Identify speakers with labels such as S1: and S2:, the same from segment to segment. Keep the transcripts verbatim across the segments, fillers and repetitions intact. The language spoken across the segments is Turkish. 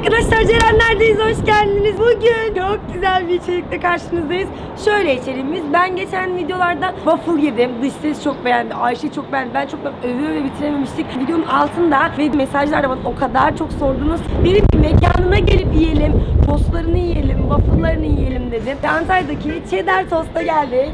S1: Arkadaşlar Cerenler'deyiz, hoş geldiniz. Bugün çok güzel bir içerikle karşınızdayız. Şöyle içeriğimiz, ben geçen videolarda waffle yedim. Dış ses çok beğendi, Ayşe çok beğendi. Ben çok övüyor ve bitirememiştik. Videonun altında ve mesajlarda bana o kadar çok sordunuz. Benim mekanına gelip yiyelim, tostlarını yiyelim, waffle'larını yiyelim dedim. Antalya'daki Cheddar Tost'a geldik.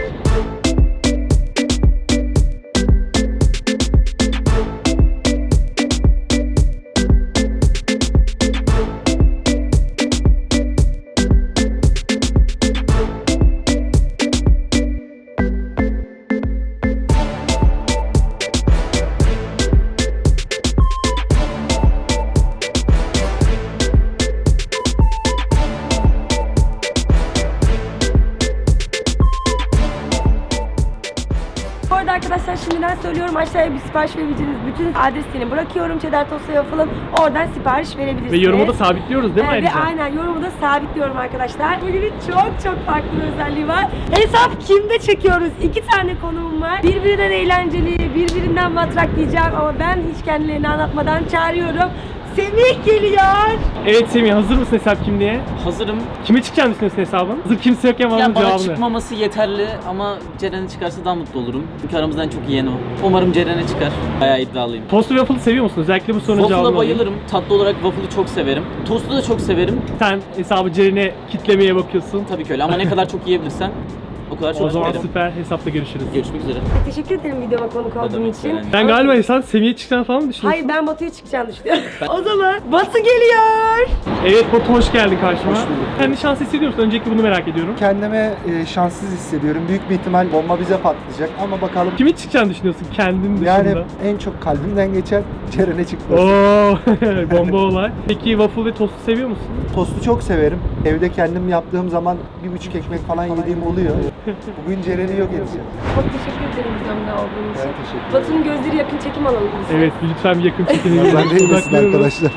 S1: Arkadaşlar şimdiden söylüyorum, aşağıya bir sipariş verebileceğiniz bütün adresini bırakıyorum. Cheddar Tost'a yapalım. Oradan sipariş verebilirsiniz.
S2: Ve yorumu da sabitliyoruz değil mi
S1: evet,
S2: ayrıca?
S1: Aynen, yorumu da sabitliyorum arkadaşlar. Bugünün çok çok farklı bir özelliği var. Hesap kimde çekiyoruz? İki tane konuğum var. Birbirinden eğlenceli, birbirinden matrak diyeceğim ama ben hiç kendilerini anlatmadan çağırıyorum. Semih geliyor.
S2: Evet Semih, hazır mısın hesap kim diye?
S3: Hazırım.
S2: Kime çıkacağını düşünüyorsun hesabın? Hazır kimse yokken bana
S3: Ya bana
S2: cevabını.
S3: çıkmaması yeterli ama Ceren'e çıkarsa daha mutlu olurum. Çünkü aramızdan çok yiyen o. Umarım Ceren'e çıkar. Bayağı iddialıyım.
S2: Tost ve waffle seviyor musun? Özellikle bu sorunun cevabını
S3: Waffle'a
S2: alayım.
S3: bayılırım. Tatlı olarak waffle'ı çok severim. Tostu da çok severim.
S2: Sen hesabı Ceren'e kitlemeye bakıyorsun.
S3: Tabii ki öyle ama ne kadar çok yiyebilirsen o kadar çok
S2: O zaman
S3: yerim.
S2: süper, hesapla görüşürüz.
S3: Görüşmek üzere.
S1: Teşekkür ederim videoma konuk
S3: Ne
S1: olduğun
S3: demek
S1: için.
S3: Ceren?
S2: Ben galiba sen Semih'e çıkacağını falan mı düşünüyorsun?
S1: Hayır, ben Batu'ya çıkacağını düşünüyorum. O zaman Batu geliyor.
S2: Evet Batu, hoş geldin karşıma.
S4: Hoş bulduk.
S2: Kendi şans hissediyor musun? Öncelikle bunu merak ediyorum.
S4: Kendimi e, şanssız hissediyorum. Büyük bir ihtimal bomba bize patlayacak ama bakalım.
S2: Kime çıkacağını düşünüyorsun kendin dışında?
S4: Yani en çok kalbimden geçen Ceren'e çıktı.
S2: Ooo bomba olay. Peki waffle ve tostu seviyor musun?
S4: Tostu çok severim. Evde kendim yaptığım zaman bir buçuk ekmek falan yediğim oluyor. Bugün Ceren'i yok edeceğim.
S1: Çok teşekkür ederim videomda olduğun için.
S4: Ben teşekkür ederim.
S1: Batu'nun gözleri yakın çekim alalım biz.
S2: Evet, lütfen bir yakın çekin.
S4: Ben değilmesin arkadaşlar.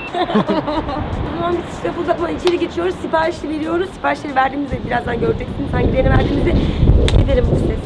S1: O zaman biz işte uzatmadan içeri geçiyoruz, siparişi veriyoruz. Siparişleri verdiğimizde birazdan göreceksiniz. Hangilerini verdiğimizi giderim bu ses.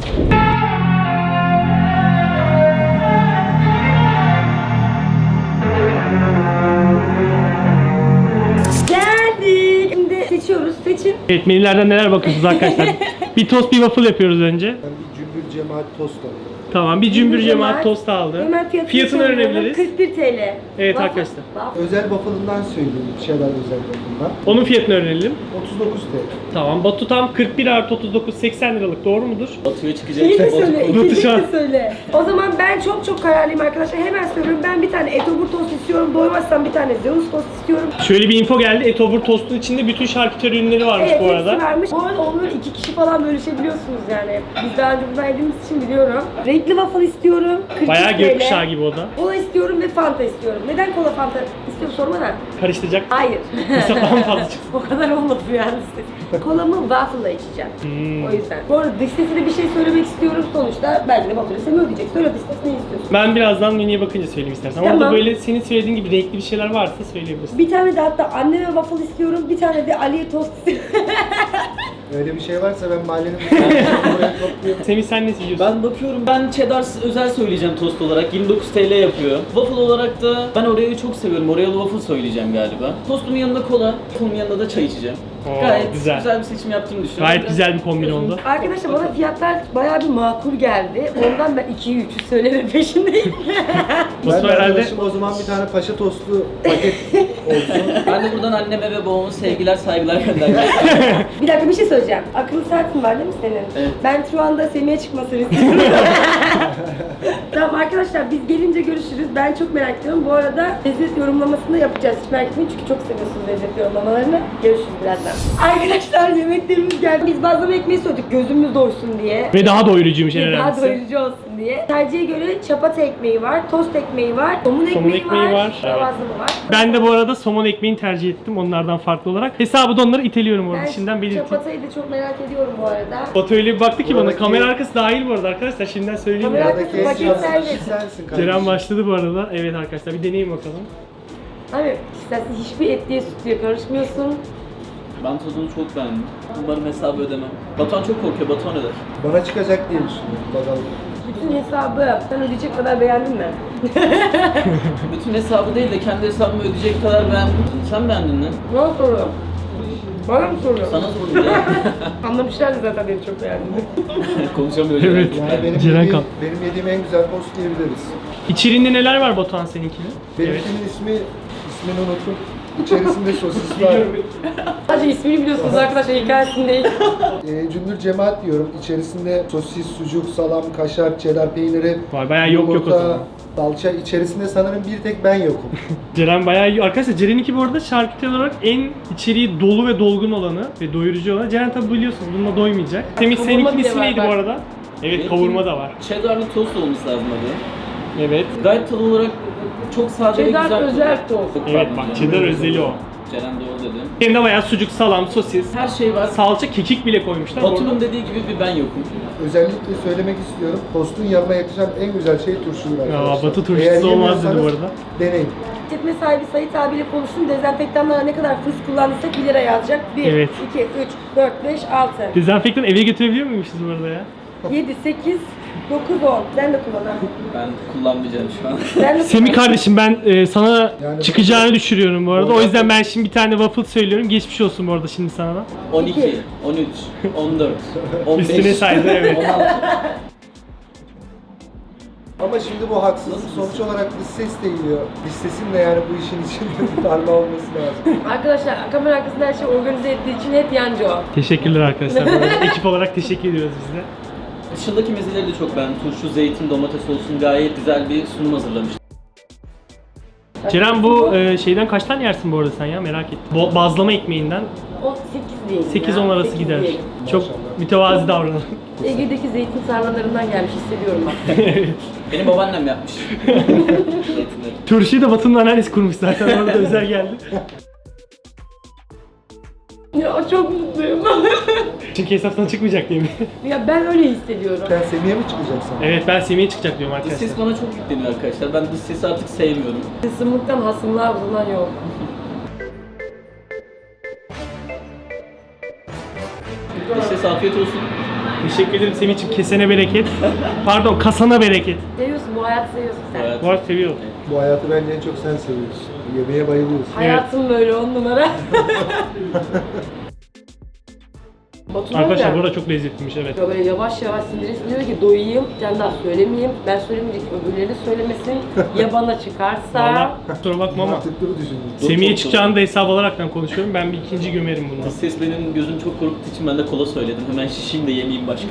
S1: Geldik. Şimdi seçiyoruz. Seçin.
S2: Evet, menülerden neler bakıyorsunuz arkadaşlar? Bir tost, bir waffle yapıyoruz önce.
S4: Ben bir cümbür cemaat tost alayım.
S2: Tamam, bir cümbür cemaat tost aldı.
S1: Hemen fiyatını,
S2: Fiyatını
S1: söylüyorum.
S2: öğrenebiliriz.
S1: kırk bir TL.
S2: Evet
S1: Waffle-
S2: arkadaşlar.
S1: waffle.
S4: Özel waffle'ından söyleyeyim. Şeyler özel waffle'ından.
S2: Onun fiyatını öğrenelim.
S4: otuz dokuz T L.
S2: Tamam, Batu tam kırk bir artı otuz dokuz, seksen liralık, doğru mudur?
S3: Batu'ya çıkacak.
S1: Şeyi de
S3: Batu-
S1: söyle,
S2: Batu
S1: ikinci
S2: şu an-
S1: de söyle. O zaman ben çok çok kararlıyım arkadaşlar. Hemen söylüyorum. Ben bir tane etobur tost istiyorum. Doymazsam bir tane Zeus tost istiyorum.
S2: Şöyle bir info geldi. Etobur tostun içinde bütün şarküteri ürünleri varmış
S1: Evet,
S2: bu
S1: hepsi
S2: arada.
S1: vermiş. Bu arada onları iki kişi falan bölüşebiliyorsunuz yani. Biz daha önce bunu yediğimiz için biliyorum. Renkli waffle istiyorum. kırk
S2: Bayağı
S1: üç T L.
S2: gökkuşağı gibi o da.
S1: Kola istiyorum ve Fanta istiyorum. Neden kola Fanta istiyorum sorma da.
S2: Karıştıracak.
S1: Hayır.
S2: Mesela daha mı fazla çıksın?
S1: O kadar olmadı yani. Kolamı waffle'la içeceğim.
S2: Hmm.
S1: O yüzden. Bu arada dış sesine bir şey söylemek istiyorum. Sonuçta belki de Batu'yu Semih ödeyecek. Söyle dış ses, ne istiyorsun?
S2: Ben birazdan menüye bakınca söyleyeyim istersen. Ama
S1: Tamam.
S2: orada böyle senin söylediğin gibi renkli bir şeyler varsa söyleyebilirsin.
S1: Bir tane de hatta anneme waffle istiyorum. Bir tane de Ali'ye tost istiyorum.
S4: Öyle bir şey varsa ben mahallenin buraya topluyorum.
S2: Semih, sen ne yiyorsun?
S3: Ben bakıyorum, ben cheddar özel söyleyeceğim tost olarak. yirmi dokuz T L yapıyor. Waffle olarak da ben Oreo'yu çok seviyorum. Oreo'lu waffle söyleyeceğim galiba. Tostumun yanında kola, waffle'ın yanında da çay içeceğim.
S2: Oo,
S3: Gayet
S2: güzel.
S3: güzel. bir seçim yaptığımı düşünüyorum.
S2: Gayet
S3: Biraz-
S2: güzel bir kombin oldu.
S1: Arkadaşlar bana fiyatlar bayağı bir makul geldi. Ondan ben ikiyi üçü söyleme peşindeyim.
S4: Ben
S2: Batu
S4: de
S2: herhalde
S4: arkadaşım o zaman bir tane paşa tostu paket olsun.
S3: Ben de buradan anneme ve babama sevgiler, saygılar göndermek
S1: Bir dakika, bir şey söyleyeceğim. Akıllı saatin var değil mi senin?
S3: Evet.
S1: Ben şu anda Semih'e çıkmasını istiyorum. Tamam arkadaşlar, biz gelince görüşürüz. Ben çok merak ediyorum. Bu arada lezzet yorumlamasını da yapacağız. Hiç merak etmeyin çünkü çok seviyorsunuz lezzet yorumlamalarını. Görüşürüz birazdan. Arkadaşlar yemeklerimiz geldi. Biz bazlama ekmeği söyledik gözümüz doysun diye.
S2: ve daha doyurucuymuş en
S1: Ve daha
S2: önemlisi.
S1: doyurucu olsun diye. Tercihe göre çapata ekmeği var, tost ekmeği var, somun ekmeği,
S2: ekmeği var,
S1: var,
S2: evet.
S1: bazlama var.
S2: Ben de bu arada somon ekmeğini tercih ettim onlardan farklı olarak. Hesabı da onları iteliyorum orada,
S1: Ben
S2: şimdiden belirteyim.
S1: çapatayı da çok merak ediyorum bu arada.
S2: Batu öyle bir baktı ki bana,
S4: Buradaki-
S2: kamera arkası dahil bu arada arkadaşlar, şimdiden söyleyeyim.
S1: Kamera
S2: ya.
S1: arkası
S4: Buradaki en
S1: paket
S4: şanslı
S1: servis.
S4: kişi sensin kardeşim.
S2: Ceren başladı bu arada. Evet arkadaşlar, bir deneyin bakalım.
S1: Abi istersen hiçbir etliye sütlüye karışmıyorsun.
S3: Ben tadını çok beğendim. Umarım hesabı ödemem. Batuhan çok korkuyor. Batuhan öder.
S4: Bana çıkacak diye düşünüyorum. Bakalım.
S1: Bütün hesabı sen ödeyecek kadar beğendin mi?
S3: Bütün hesabı değil de kendi hesabımı ödeyecek kadar beğendim. Sen beğendin mi?
S1: Bana soruyor. Bana mı soruyor?
S3: Sana sordum ya.
S1: Anlamışlardı zaten beni çok beğendim.
S3: Konuşamıyor.
S2: Evet.
S4: Yani benim
S2: Ceren
S4: yediğim,
S2: kal.
S4: benim yediğim en güzel tost diyebiliriz.
S2: İçeriğinde neler var Batuhan seninkinin?
S4: Benimkinin ismi, ismini unuttum. İçerisinde sosis var.
S1: Sadece ismini biliyorsunuz arkadaşlar, hikayesini değil.
S4: E, cümbür cemaat diyorum. İçerisinde sosis, sucuk, salam, kaşar, cheddar peyniri,
S2: Vay, bayağı yok yok o
S4: yumurta,
S2: zaman.
S4: salça. İçerisinde sanırım bir tek ben yokum.
S2: Ceren bayağı iyi. Arkadaşlar Ceren'inki bu arada şarküteri olarak en içeriği dolu ve dolgun olanı ve doyurucu olanı. Ceren tabi biliyorsunuz bununla doymayacak. Semih
S1: Kavurma
S2: seninkinin
S1: bile
S2: ismi
S1: var
S2: neydi
S1: bak.
S2: bu arada? Evet, kavurma da var.
S3: Cheddar'lı tost olması lazım adı.
S2: Evet.
S3: Gayet tadı olarak çok sade ve
S1: Cheddar
S3: güzel.
S1: özel tost.
S2: Evet bak, cheddar özeli o.
S3: Ceren doğru dedi.
S2: Hem de bayağı sucuk, salam, sosis,
S3: Her şey var.
S2: salça, kekik bile koymuşlar. Bu
S3: Batu'nun
S2: arada-
S3: dediği gibi bir ben yokum.
S4: Özellikle söylemek istiyorum. Tostun yanına yakışan en güzel şey turşudur arkadaşlar.
S2: Batu turşusu
S4: Eğer
S2: olmaz dedi bu
S4: yemiyorsanız
S2: arada.
S4: Deneyin.
S1: İşletme sahibi Sait abiyle konuştum. Dezenfektanlara ne kadar fıs kullandıysak bir lira yazacak. bir,
S2: Evet.
S1: iki, üç, dört, beş, altı,
S2: Dezenfektan eve götürebiliyor muymuşuz bu arada ya?
S1: yedi, sekiz, dokuz, on. Sen de kullan ha.
S3: Ben kullanmayacağım şu an.
S1: Sen de
S2: Semih
S1: kullan.
S2: kardeşim ben e, sana
S4: Yani-
S2: çıkacağını düşünüyorum bu arada. O
S4: Orada-
S2: yüzden ben şimdi bir tane waffle söylüyorum. Geçmiş olsun bu arada şimdi sana da.
S3: on iki, on üç, on dört, on beş.
S2: Üstüne saydı, evet.
S3: on altı.
S4: Ama şimdi bu haksızlık. Sonuç olarak dış ses de geliyor. Dış sesin de yani bu işin içinde bir parmağı olması lazım.
S1: Arkadaşlar kamera arkasında her şey organize ettiği için hep yancı o.
S2: Teşekkürler arkadaşlar. Bu arada ekip olarak teşekkür ediyoruz biz de.
S3: Dışındaki mezeleri de çok beğendim. Turşu, zeytin, domates olsun gayet güzel bir sunum hazırlamış.
S2: Ceren bu e, şeyden kaç tane yersin bu arada sen ya, merak ettim. Bo- bazlama ekmeğinden
S1: on sekiz diyelim
S2: sekiz
S1: ya,
S2: on arası
S1: sekiz
S2: gider.
S1: diyelim.
S2: Çok mütevazi davranın.
S1: Ege'deki zeytin tarlalarından gelmiş hissediyorum bak.
S3: Benim babaannem yapmış. Zeytinleri.
S2: Turşuyu da Batu'nun anneannesi kurmuş zaten, orada özel geldi.
S1: Ya çok mutluyum.
S2: Çünkü hesaptan çıkmayacak diye mi?
S1: Ya ben öyle hissediyorum.
S4: Sen Semih'e mi çıkacaksın?
S2: Evet, ben Semih'e çıkacak diyorum
S3: Dış
S2: arkadaşlar.
S3: ses bana çok yükleniyor arkadaşlar. Ben dış sesi artık sevmiyorum.
S1: Kısımlıktan hasımlığa uzanan yol.
S3: Dış ses afiyet olsun.
S2: Teşekkür ederim Semih'ciğim, kesene bereket. Pardon, kasana bereket.
S1: Seviyorsun, bu hayatı seviyorsun sen.
S3: Evet.
S2: Bu arada seviyorum.
S4: Bu hayatı bence en çok sen seviyorsun. Yemeğe bayılıyorsun.
S1: Hayatım böyle on numara. Batuhan
S2: Arkadaşlar
S1: ya,
S2: bu arada çok lezzetliymiş, evet.
S1: böyle yavaş yavaş sindiresi diyor ki doyayım, sen daha söylemeyeyim, ben söylemeyecek öbürleri söylemesin, ya bana çıkarsa...
S2: Valla kusura bakma ama
S4: Mantıklı bir düşündün.
S2: Semih'e çıkacağını da hesap alaraktan konuşuyorum. Ben bir ikinci gömerim bunu.
S3: Dış ses benim gözüm çok korktuğu için ben de kola söyledim. Hemen şişeyim de yemeyeyim başka.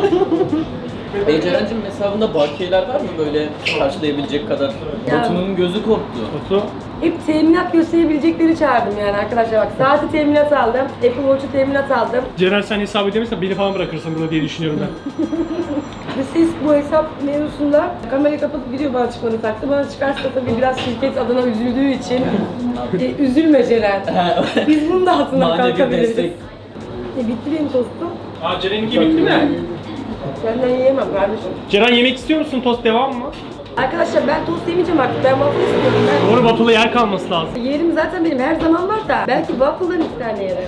S3: E Ceren'cim hesabında bakiyeler var mı böyle karşılayabilecek kadar?
S1: Ya.
S3: Batu'nun gözü korktu.
S2: Batu,
S1: Hep teminat gösterebilecekleri çağırdım yani arkadaşlar bak. Saati teminat aldım, Apple Watch'u teminat aldım.
S2: Ceren sen hesap edemezsen beni falan bırakırsın burada diye düşünüyorum ben.
S1: Ve siz bu hesap mevzusunda kamerayı kapatıp gidiyor bana çıkmanı taktı. Bana çıkarsa tabii biraz şirket adına üzüldüğü için e, üzülme Ceren. Biz bunun da altından
S3: Manevi
S1: kalkabiliriz.
S3: destek.
S1: E, bitti benim tostum.
S2: Aa, Ceren'inki bitti mi?
S1: Senden yiyemem kardeşim.
S2: Ceren yemek istiyor musun? Tost devam mı?
S1: Arkadaşlar ben tost yemeyeceğim artık. Ben waffle istiyorum. Ben...
S2: Doğru, waffle'a yer kalması lazım.
S1: Yerim zaten benim her zaman var da belki waffle'dan iki tane yerim.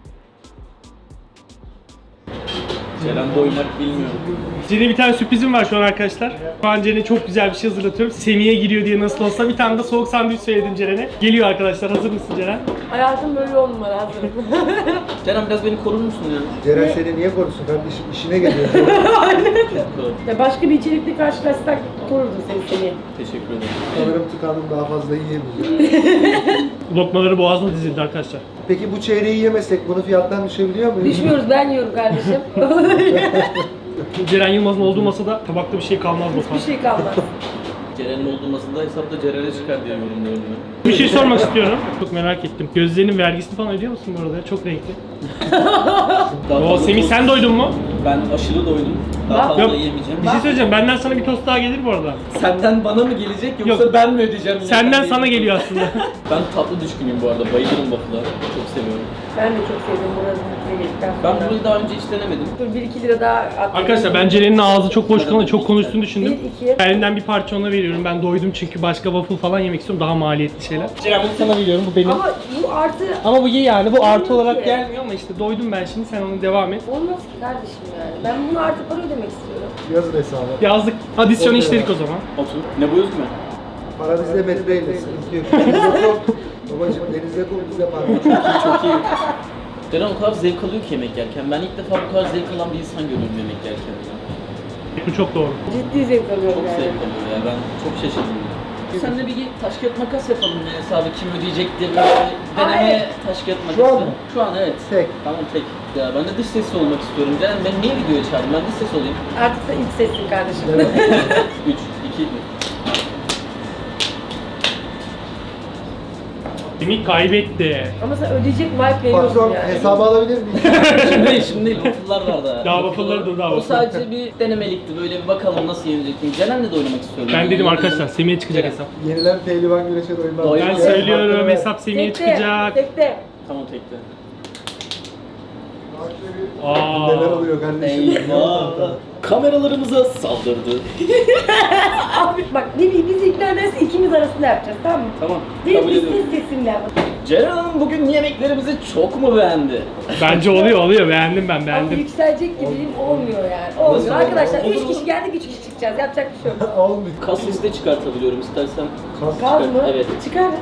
S3: Ceren doymak bilmiyor.
S2: Ceren'e bir tane sürprizim var şu an arkadaşlar. Şu an Ceren'e çok güzel bir şey hazırlatıyorum. Semih'e giriyor diye nasıl olsa bir tane de soğuk sandviç söyledim Ceren'e. Geliyor arkadaşlar, hazır mısın Ceren?
S1: Hayatım böyle on numara hazırım.
S3: Ceren biraz beni korur musun ya?
S4: Ceren seni niye korusun kardeşim? İşine geliyor.
S3: Korur.
S1: Ya başka bir içerikle karşılaşsak korurdum seni seni.
S3: Teşekkür ederim.
S4: Sanırım tıkandım, daha fazla yiyemeyeceğim.
S2: Lokmaları boğazına dizildi arkadaşlar.
S4: Peki bu çeyreği yemesek bunu fiyattan düşebiliyor muyuz?
S1: Düşmüyoruz, ben yiyorum kardeşim.
S2: Ceren Yılmaz'ın olduğu masada tabakta bir şey kalmaz
S1: Bir
S2: Batuhan.
S1: şey kalmaz.
S3: Ceren'in olduğu masada hesapta Ceren'e çıkar diye yorumluyorum ben.
S2: Bir şey sormak istiyorum. Çok merak ettim. Gözlerinin vergisini falan ödüyor musun bu arada? Çok renkli.
S3: Daha
S2: Oo,
S3: fazla
S2: Semih
S3: tost-
S2: sen doydun mu?
S3: Ben aşırı doydum. Daha fazla
S2: Yok.
S3: yemeyeceğim.
S2: Bir şey söyleyeceğim. Benden sana bir tost daha gelir bu arada.
S3: Senden bana mı gelecek yoksa
S2: Yok.
S3: ben mi ödeyeceğim?
S2: Senden
S3: Yani
S2: sana
S3: değil.
S2: geliyor aslında.
S3: Ben tatlı düşkünüyüm bu arada. Bayılırım waffle'a. Çok seviyorum.
S1: Ben de çok sevdim buranın mutluya geldikten
S3: Ben
S1: sonra.
S3: burayı daha önce hiç denemedim.
S1: Dur bir iki lira daha attım.
S2: Arkadaşlar ben Ceren'in ağzı çok boş kalınca çok konuştuğunu düşündüm.
S1: Bir, iki.
S2: Elinden bir parça ona veriyorum. Ben doydum çünkü başka waffle falan yemek istiyorum. Daha maliyetli şeyler. Ceren bunu sana veriyorum. Bu benim.
S1: Ama bu bu artı
S2: Ama bu iyi yani. Bu artı
S1: Olmuyor
S2: olarak
S1: ki.
S2: gelmiyor ama işte doydum ben şimdi. Sen onu devam et.
S1: olmaz ki kardeşim yani. Ben bunu artı para ödemek istiyorum.
S4: Yazın hesabı.
S2: Yazdık. Adisyonu
S4: Okey.
S2: işledik o zaman.
S3: Otur. Ne bu yüz mü?
S4: Para bizde metreyle. Sıkıntı yok. Denizde kum. Babacım denizde kum bize para.
S3: Çok iyi. Ceren o kadar zevk alıyor ki yemek yerken. Ben ilk defa bu kadar zevk alan bir insan görüyorum yemek yerken.
S2: Bu çok doğru.
S1: Ciddi zevk alıyorum
S3: Çok
S1: yani.
S3: zevk alıyor ya. Ben çok şaşırdım. Senle bir taş kağıt makas yapalım ya hesabı kim ödeyecek diye böyle deneme
S1: evet.
S3: taş kağıt makası.
S4: Şu an mı?
S3: Şu an evet.
S4: Tek.
S3: Tamam tek. Ya ben de dış sesli olmak istiyorum. Ceren ben niye videoya çağırdım? Ben dış ses olayım.
S1: Artık sen ilk sessin kardeşim.
S3: üç, iki, bir.
S2: Semih kaybetti.
S1: Ama sen ödeyecek vibe veriyorsun
S4: Patron
S1: yani.
S4: hesabı alabilir miyim?
S3: Şimdi değil, şimdi değil. Waffle'lar var daha.
S2: Daha waffle'ları dur, daha
S3: O
S2: waffle.
S3: sadece bir denemelikti. Böyle bir bakalım nasıl yenecek miyim. Ceren'le de oynamak istiyorum.
S2: Ben dedim
S3: Yani
S2: arkadaşlar Semih'e çıkacak
S3: Evet.
S2: hesap.
S4: Yenilen pehlivan güreşe doymaz.
S3: Doymaz.
S2: Ben
S3: Evet,
S2: söylüyorum hesap Semih'e
S1: Tekte,
S2: çıkacak.
S1: tekte.
S3: Tamam tekte.
S2: Aa.
S4: Neler oluyor kardeşim?
S3: Eyvah. Kameralarımıza saldırdı.
S1: Abi bak ne bileyim biz ilk neredeyse ikimiz arasında yapacağız tamam mı?
S3: Tamam.
S1: Benim
S3: Kabul
S1: biz
S3: ediyorum.
S1: ses sesimle.
S3: Ceren Hanım bugün yemeklerimizi çok mu beğendi?
S2: Bence oluyor oluyor beğendim ben
S1: Ama
S2: beğendim.
S1: yükselecek gibi değil, olmuyor yani. Olmuyor
S3: Nasıl
S1: arkadaşlar.
S3: olmuyor?
S1: Üç
S3: Olur mu?
S1: kişi geldik, üç kişi çıkacağız. Yapacak bir şey yok.
S4: Olmuyor.
S3: Kas liste çıkartabiliyorum istersen.
S4: Kas.
S1: Gaz mı?
S3: Evet.
S1: Çıkar.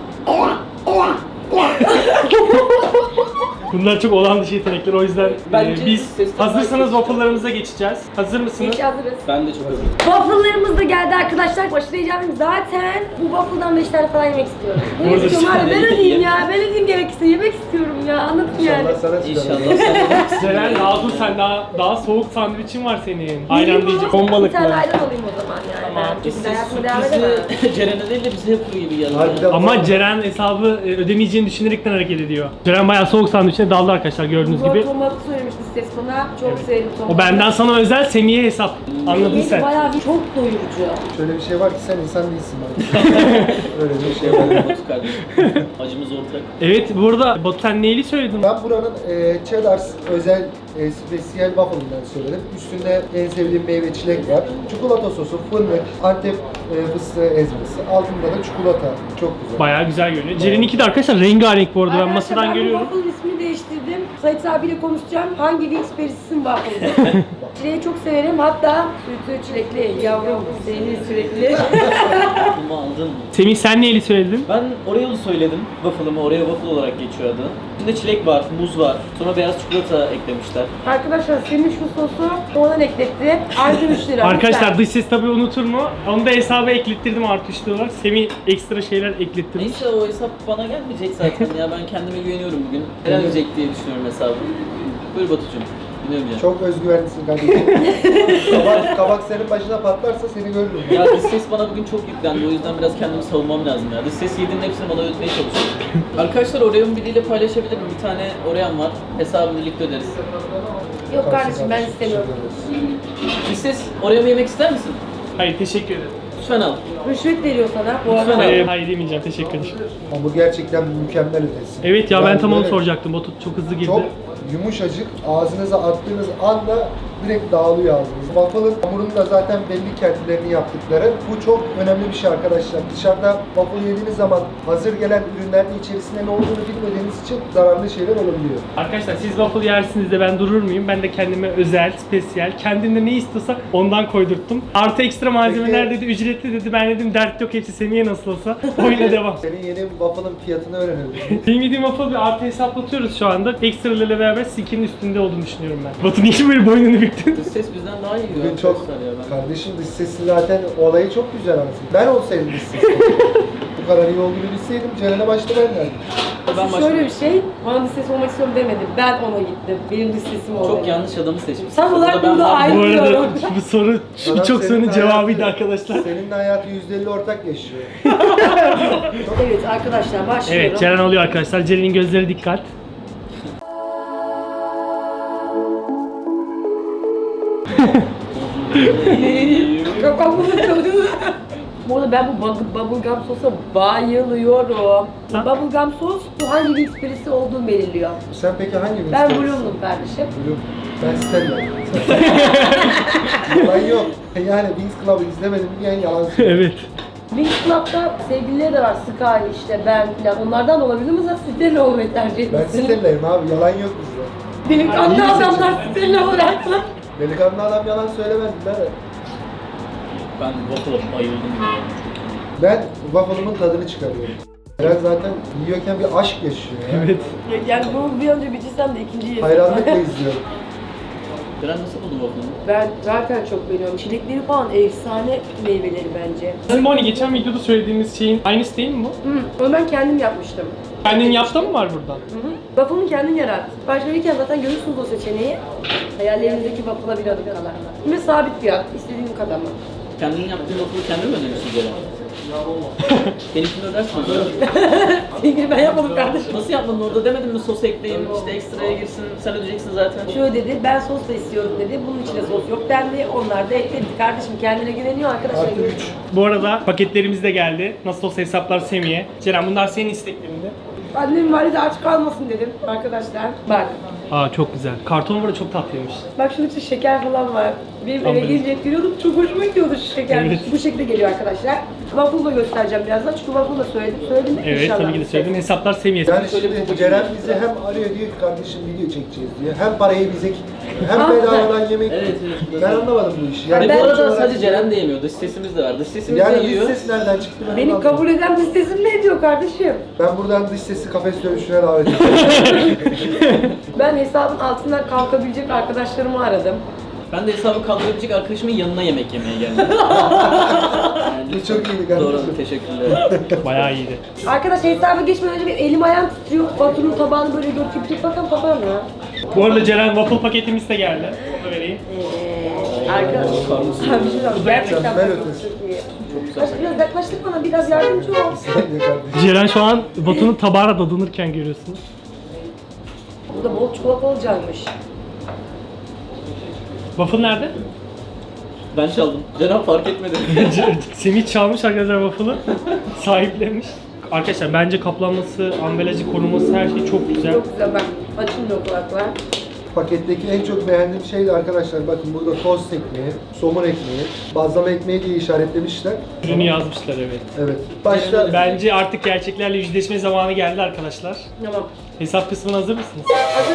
S2: Bunlar çok olan dışı yetenekler o yüzden
S3: Bence
S2: e, biz
S3: sesten
S2: hazırsanız
S3: daha-
S2: waffle'larımıza geçeceğiz. Hazır mısınız?
S1: Geç hazırız.
S3: Ben de çok hazırım.
S1: Waffle'larımız da geldi arkadaşlar. Aşırı heyecanlıyım. Zaten bu waffle'dan beş tane falan yemek istiyorum. Ne
S2: Burada
S1: istiyorum abi? Ben
S3: işte-
S1: ödeyeyim ya. Ben ödeyeyim gerekirse. Yemek istiyorum ya. Anladın mı yani?
S4: İnşallah sana çıkar.
S3: İnşallah sen de
S2: Ceren daha dur sen daha daha soğuk sandviçin var senin. Ayran
S1: Yiyeyim
S2: diyecek.
S1: ama
S2: Bombalık
S1: Bir tane
S2: mı?
S1: ayran alayım o zaman yani.
S2: Tamam.
S1: Ben
S3: Siz
S1: çünkü hayatıma devam edemem.
S3: sürprizi Ceren'e değil de bize yapıyor gibi geldi.
S4: Harbiden.
S2: Ama Ceren hesabı e, ödemeyeceğini düşünerekten hareket ediyor. Ceren bayağı soğuk sandviçine daldı arkadaşlar gördüğünüz
S1: Zor
S2: gibi.
S1: tomatı söylemişti ses bana. Çok sevdim tomatı.
S2: O benden sana özel Semih'e hesap. Anladın
S1: Yedi
S2: sen.
S1: bayağı bir çok doyurucu.
S4: Şöyle bir şey var ki sen insan değilsin bana. Öyle bir şey var.
S3: Batu kardeşim. Acımız ortak.
S2: Evet burada Batu sen neyli söyledin?
S4: Ben buranın e, Cheddar's özel e, spesiyel waffle'ından söyledim. Üstünde en sevdiğim meyve çilek var. Çikolata sosu, fındık, Antep e, fıstığı ezmesi. Altında da çikolata. Çok güzel.
S2: Bayağı güzel görünüyor. Ceren'inki de arkadaşlar rengarenk bu arada ben
S1: Arkadaşlar,
S2: masadan
S1: ben
S2: görüyorum.
S1: bu waffle ismini değiştirdim. Sait abiyle konuşacağım. Hangi Wings Paris'in waffle'ı? Çileği çok severim. Hatta sütü çilekli, yavrum seni sürekli.
S3: Bunu aldın mı?
S2: Semih sen neyli söyledin?
S3: Ben Oreo'lu söyledim. Waffle'ımı Oreo waffle olarak geçiyor adı. İçinde çilek var, muz var. Sonra beyaz çikolata eklemişler.
S1: Arkadaşlar senin şu sosu ondan ekletti. Artı üç lira.
S2: Arkadaşlar
S1: lütfen.
S2: dış ses tabii unutur mu? Onu da hesaba eklettirdim artı üç liralar. Semih ekstra şeyler eklettirmiş.
S3: Neyse o hesap bana gelmeyecek zaten ya. Ben kendime güveniyorum bugün. Gelecek diye düşünüyorum hesabı. Buyur Batucuğum. Dinliyorum canım.
S4: Çok özgüvenlisin kardeşim. kabak, kabak senin başına patlarsa seni görürüm.
S3: Ya dış ses bana bugün çok yüklendi. O yüzden biraz kendimi savunmam lazım ya. Dış ses yediğinin hepsini bana ödemeye çalışıyorum. Arkadaşlar Oreo'mu biriyle paylaşabilirim. Bir tane Oreo'm var. hesabını birlikte öderiz.
S1: Yok kardeşim ben istemiyorum.
S3: Dış ses Oreo'mu yemek ister misin?
S2: Hayır teşekkür ederim.
S3: Lütfen al.
S1: Rüşvet veriyor sana bu
S3: Lütfen
S1: arada.
S3: abi.
S2: Ee, hayır demeyeceğim teşekkür ederim.
S4: Ama bu gerçekten mükemmel ötesi.
S2: Evet ya ben
S4: Yani
S2: tam onu
S4: böyle
S2: soracaktım. Batu çok hızlı girdi.
S4: Çok yumuşacık, ağzınıza attığınız anda direkt dağılıyor ağzınız. Waffle'ın hamurunu da zaten belli kendilerini yaptıkları. Bu çok önemli bir şey arkadaşlar. Dışarıda waffle yediğiniz zaman hazır gelen ürünlerin içerisinde ne olduğunu bilmediğiniz için zararlı şeyler olabiliyor.
S2: Arkadaşlar siz waffle yersiniz de ben durur muyum? Ben de kendime özel, spesiyel, kendimde ne istiyorsa ondan koydurttum. Artı ekstra malzemeler
S4: Peki-
S2: dedi, ücretli dedi. Ben dedim dert yok hepsi Semih'e nasıl olsa. Oyuna devam.
S4: Senin yeni waffle'ın fiyatını öğrenelim.
S2: Benim yediğim waffle bir artı hesaplatıyoruz şu anda. Ekstralarla beraber sikinin üstünde olduğunu düşünüyorum ben. Batu niye böyle boynunu büktün?
S3: Dış ses bizden daha iyi
S4: Bugün
S3: ya
S4: çok,
S3: arkadaşlar ya. Ben...
S4: kardeşim dış sesi zaten olayı çok güzel aslında. Ben olsaydım dış sesi. Bu kadar iyi olduğunu bilseydim Ceren'e başta ben derdim.
S3: Ben
S1: Şöyle
S3: başlayayım.
S1: bir şey, bana dış ses olmak istiyorum demedim. Ben ona gittim. Benim dış sesim oldu.
S3: Çok yanlış adamı seçmişsin.
S1: Tam olarak
S3: ben
S1: burada
S3: vardım.
S1: aynı-
S2: Bu arada
S1: Bilmiyorum.
S2: bu soru şu
S4: Adam
S2: birçok
S4: senin
S2: sorunun cevabıydı
S4: hayatı-
S2: arkadaşlar.
S4: Senin de hayatı yüzde elli ortak yaşıyor.
S1: Evet arkadaşlar başlıyorum.
S2: Evet Ceren alıyor arkadaşlar. Ceren'in gözleri dikkat.
S1: Kafamı çalıyor. Bu arada ben bu bug- bubblegum sosa bayılıyorum.
S2: Sen?
S1: Bubblegum sos bu hangi Wings birisi olduğunu belirliyor.
S4: Sen peki hangi Wings
S1: Ben
S4: Club'sın?
S1: Bloom'um kardeşim.
S4: Bloom. Ben Stella. Yalan yok. Yani Wings Club'ı izlemedim diyen yalan söylüyor.
S2: Evet.
S1: Wings Club'da sevgilileri de var. Sky işte ben falan. Onlardan da olabilir mi? Sen Stella olmayı tercih
S4: Ben
S1: etmişsin.
S4: Stella'yım abi, yalan yok bizde.
S1: Delikanlı adamlar Stella olarak.
S4: Delikanlı adam yalan söylemez birader.
S3: Ben waffle'a bayıldım ya.
S4: Ben waffle'ımın tadını çıkarıyorum. Eren zaten yiyorken bir aşk yaşıyor ya.
S2: Evet.
S1: Yani bunu bir önce bitirsem de ikinciyi yesem.
S4: Hayranlıkla izliyorum.
S3: Ceren nasıl buldun waffle'ını?
S1: Ben zaten çok beğeniyorum. Çilekleri falan efsane meyveleri bence.
S2: Bizim hani geçen videoda söylediğimiz şeyin aynısı değil mi bu?
S1: Hı, onu ben kendim yapmıştım.
S2: Kendin yaptın mı var burada?
S1: Hı hı. Waffle'ını kendin yarat. Sipariş verirken zaten görürsünüz o seçeneği. Hayallerinizdeki waffle'a bir adım kala. Ve sabit fiyat, istediğin kadar mı?
S3: Kendin yaptığın waffle'ı kendin mi ödüyorsun Ceren? Benimkini ödersin o zaman.
S1: Sevgili ben yapmadım kardeşim.
S3: Nasıl yapmadın orada, demedin mi sos ekleyin, işte ekstraya girsin, sen ödeyeceksin zaten.
S1: Şöyle dedi, ben sos da istiyorum dedi. Bunun içine sos yok dendi. Onlar da ekledi. Kardeşim kendine güveniyor arkadaşlar.
S4: Artı üç.
S2: Bu arada paketlerimiz de geldi. Nasıl olsa hesaplar Semih'e. Ceren bunlar senin isteklerinde.
S1: Annem valide aç kalmasın dedim arkadaşlar. Bak.
S2: Aa çok güzel. Karton burada çok tatlıymış.
S1: Bak şunun için şeker falan var. Benim eve
S2: Anladım.
S1: gelince hep görüyordum. Çok hoşuma gidiyordu şu şeker.
S2: Evet.
S1: Bu şekilde geliyor arkadaşlar. Waffle da göstereceğim birazdan. Çünkü waffle da söyledim. Söyledim mi?
S2: Evet
S1: İnşallah.
S2: tabii ki de söyledim. Hesaplar Semih'e.
S4: Yani
S3: Şöyle bir
S4: şimdi
S3: babacığım
S4: Ceren
S3: var.
S4: bizi hem arıyor diyor ki kardeşim video çekeceğiz diyor. Hem parayı bize hem
S1: Ah,
S4: bedavadan yemek.
S3: Evet, evet.
S4: Ben anlamadım bu işi.
S3: Ve
S1: Ben-
S3: bu arada
S4: sonuç olarak-
S3: sadece Ceren de yemiyor, dış sesimiz de var. Dış sesimiz de
S4: Yani dış
S3: yiyor.
S4: ses nereden çıktı ben
S1: Beni
S4: anlamadım.
S1: kabul eden listesim ne diyor kardeşim?
S4: Ben buradan dış sesi kafes dövüşüne davet ediyorum.
S1: Ben hesabın altından kalkabilecek arkadaşlarımı aradım.
S3: Ben de hesabı kaldırabilecek arkadaşımın yanına yemek yemeye geldim. Yani
S4: Bu çok iyiydi kardeşim.
S3: Doğru, teşekkürler.
S2: Bayağı iyiydi.
S1: Arkadaşlar hesaba geçmeden önce bir elim ayağım titriyor. Batu'nun tabağını böyle görüp bir bakalım papağan ya.
S2: Bu arada Ceren waffle paketimiz de geldi. Onu da vereyim.
S1: Eee arkadaşlar.
S3: Bakar mısın?
S1: Abi bir şey söyleyeyim. Gerçekten
S4: Mükemmel
S1: çok
S4: ötesi.
S1: iyi.
S3: Çok güzel.
S1: Aşkım biraz yaklaştık bana, biraz yardımcı ol.
S4: Sen de kardeşim.
S2: Ceren şu an Batu'nun tabağına dadanırken görüyorsunuz.
S1: Burada bol çikolatalı caymış.
S2: Waffle nerede?
S3: Ben çaldım. Ceren fark etmedi.
S2: Semih çalmış arkadaşlar waffle'ı. Sahiplenmiş. Arkadaşlar bence kaplanması, ambalajı, koruması her şey çok güzel.
S1: Çok güzel bak. Açın da kulaklar.
S4: Paketteki en çok beğendiğim şey de arkadaşlar bakın burada tost ekmeği, somun ekmeği, bazlama ekmeği diye işaretlemişler.
S2: Ürünü yazmışlar evet.
S4: Evet. Başta
S2: Bence artık gerçeklerle yüzleşme zamanı geldi arkadaşlar.
S1: Tamam.
S2: Hesap kısmına hazır mısınız?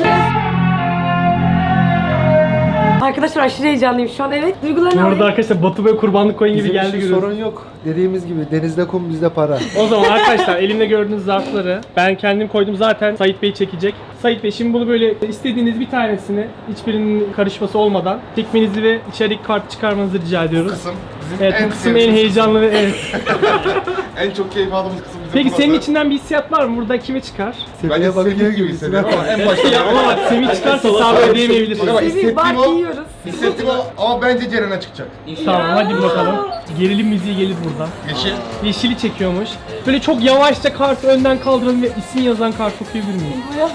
S1: Arkadaşlar aşırı heyecanlıyım şu an. Evet,
S2: Bu
S1: duygularını
S2: arada
S1: alayım.
S2: arkadaşlar Batu böyle kurbanlık koyun gibi
S4: bizim
S2: geldi
S4: için
S2: görüyorsunuz.
S4: sorun yok. Dediğimiz gibi denizde kum bizde para.
S2: O zaman arkadaşlar elimde gördüğünüz zarfları ben kendim koydum, zaten Sait Bey çekecek. Sait Bey şimdi bunu böyle istediğiniz bir tanesini hiçbirinin karışması olmadan çekmenizi ve içerik kartı çıkarmanızı rica ediyoruz.
S5: kısım bizim
S2: Evet
S5: en
S2: bu kısım en
S5: sevdiğimiz
S2: heyecanlı ve evet.
S5: en çok keyif aldığımız kısım bizim
S2: Peki
S5: burası.
S2: senin içinden bir hissiyat var mı? Burada kime çıkar?
S5: Bence
S4: Seviye bakıyor
S5: sevdiğim
S4: gibi
S5: gibi hissediyorum ama en başta
S2: Ya ama bak Semih çıkarsa hesabı ödeyemeyebiliriz.
S5: Bak,
S1: Sevil
S5: hissettiğim
S1: bak
S5: o.
S1: yiyoruz.
S5: Hissettim o ama bence Ceren'e çıkacak.
S2: Tamam hadi bir bakalım. Gerilim müziği gelir buradan.
S5: Yeşil.
S2: Yeşili çekiyormuş. Böyle çok yavaşça kartı önden kaldıralım ve isim yazan kartı okuyabilir miyiz?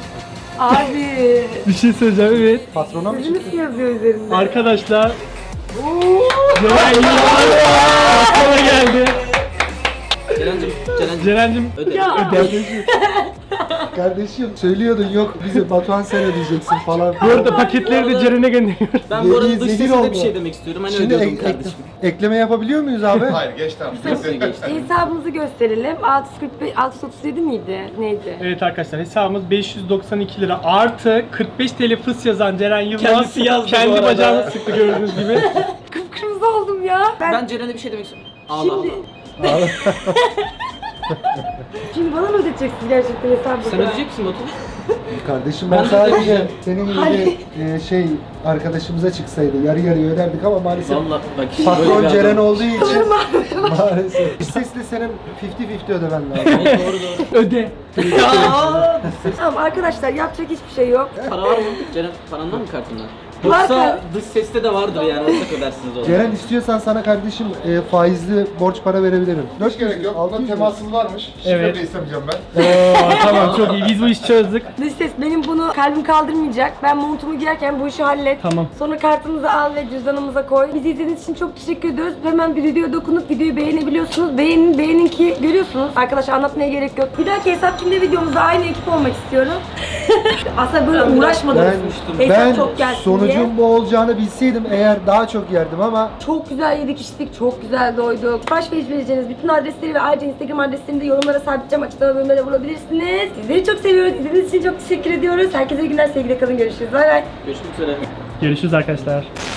S1: Abi.
S2: Bir şey söyleyeceğim evet.
S4: Patrona mı
S1: Sizin
S4: çıktı?
S1: ismi yazıyor üzerinde.
S2: Arkadaşlar. Ceren Yılmaz aklıma geldi.
S3: Ceren'cim, Ceren'cim.
S2: Ceren'cim
S3: Öde.
S1: Ya.
S4: Kardeşim. Kardeşim söylüyordun yok bize Batuhan sen ödeyeceksin falan.
S2: bu arada paketleri de Ceren'e gönderiyoruz.
S3: Ben bu arada
S4: Zehir-
S3: dış
S4: zehir
S3: sesine
S4: oldu.
S3: bir şey demek istiyorum. Hani
S4: Şimdi
S3: ödüyordum
S4: ek- ek-
S3: kardeşim.
S4: ekleme yapabiliyor muyuz abi?
S5: Hayır geç tamam.
S3: Hepsini geçtim.
S1: Hesabımızı gösterelim. altı yüz kırk beş, altı yüz otuz yedi miydi? Neydi?
S2: Evet arkadaşlar hesabımız beş yüz doksan iki lira artı kırk beş TL fıs yazan Ceren Yılmaz
S3: Kendisi yazdı bu
S2: kendi
S3: arada.
S2: bacağını sıktı gördüğünüz gibi.
S1: Kıpkırmızı oldum ya. Ben,
S3: Ben Ceren'e bir şey demek istiyorum. Allah
S1: şimdi...
S3: Allah.
S1: Şimdi bana mı ödeyeceksiniz gerçekten hesabı?
S3: Sen ödeyecek misin Batu?
S4: Kardeşim ben
S3: Ben de
S4: sadece
S3: ödeyeceğim.
S4: senin gibi
S1: Hadi.
S4: e, şey arkadaşımıza çıksaydı yarı yarıya öderdik ama maalesef
S3: Vallahi bak böyle
S4: patron
S3: bir
S4: Ceren
S3: adam.
S4: olduğu için maalesef. Sesle senin elli elli ödemen lazım.
S3: Evet, doğru doğru.
S2: Öde.
S3: Ya!
S1: Tamam arkadaşlar yapacak hiçbir şey yok.
S3: Para var mı? Ceren parandan mı kartından?
S1: Var
S3: Yoksa
S1: mı?
S3: dış seste de vardır yani ortak ödersiniz onu.
S4: Ceren istiyorsan sana kardeşim e, faizli borç para verebilirim.
S5: Hiç gerek yok.
S4: altı
S5: Bunda
S4: yüz mü?
S5: temasız varmış. Şifre
S2: Evet.
S5: de istemeyeceğim ben.
S2: Oo, tamam çok iyi biz bu işi çözdük.
S1: Dış ses benim bunu kalbim kaldırmayacak. Ben montumu giyerken bu işi hallet.
S2: Tamam.
S1: Sonra kartımızı al ve cüzdanımıza koy. Bizi izlediğiniz için çok teşekkür ediyoruz. Hemen bir videoya dokunup videoyu beğenebiliyorsunuz. beğeniyorsunuz. Beğenin, beğenin ki görüyorsunuz. Arkadaşlar anlatmaya gerek yok. Bir dahaki hesap kimde videomuzda aynı ekip olmak istiyorum. Aslında böyle
S3: Ben biraz
S1: uğraşmadım.
S3: konuşmuştum.
S1: Hesap
S4: Ben
S1: çok gelsin
S4: sonucun
S1: diye.
S4: bu olacağını bilseydim eğer daha çok yerdim ama
S1: Çok güzel yedik içtik, çok güzel doyduk. Sipariş vereceğiniz bütün adresleri ve ayrıca Instagram adreslerini de yorumlara sabitleyeceğim. Açıklama bölümüne de bulabilirsiniz. Sizleri çok seviyoruz. İzlediğiniz için çok teşekkür ediyoruz. Herkese iyi günler, sevgiyle kalın. Görüşürüz. Bay bay.
S3: Görüşmek üzere.
S2: Görüşürüz arkadaşlar.